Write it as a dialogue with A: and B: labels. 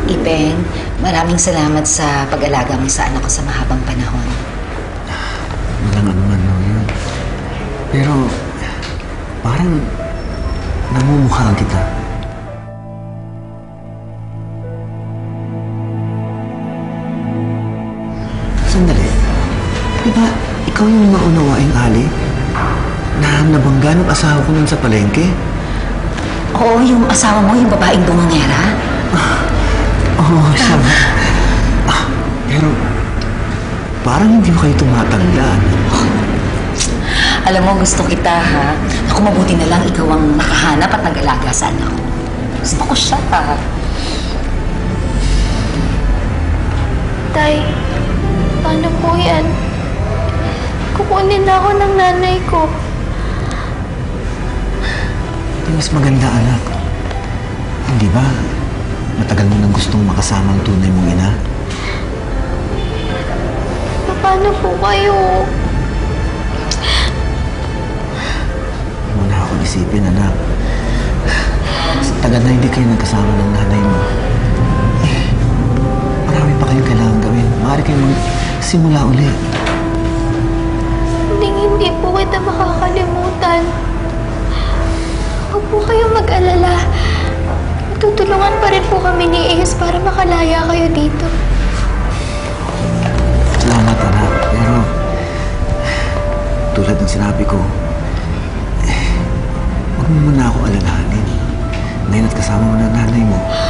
A: Ipeng, maraming salamat sa pag-alaga mo sa anak ko sa mahabang panahon.
B: Walang anuman lang yun. Pero, parang namumukhaan kita. Sandali. Di ba, ikaw yung maunawaing Ali? Na nabangga ng asawa ko nun sa palengke?
A: Oo, yung asawa mo, yung babaeng bumangera.
B: Oo, siya ba? Pero, parang hindi mo kayo tumatandaan.
A: Alam mo, gusto kita, ha? Ako, mabuti na lang ikaw ang nakahanap at nag-alaga sa anak ko. Gusto ko siya, ha?
C: Tay, paano po yan? Kukunin na ako ng nanay ko.
B: Di mas maganda, anak. Hindi ba? Matagal mo nang gustong makasama ang tunay mong ina.
C: Paano po kayo?
B: Huwag mo na akong isipin, anak. Sa tagal na hindi kayo nagkasama ng nanay mo. Marami pa kayong kailangan gawin. Maaari kayong magsimula uli.
C: Hindi po kita makakalimutan. Huwag po kayong mag-alala. Tutulungan pa rin po kami ni Ace para makalaya kayo dito.
B: Salamat, anak. Pero, tulad ng sinabi ko, huwag mo muna ako alalahanin. Ngayon at kasama mo na nanay mo,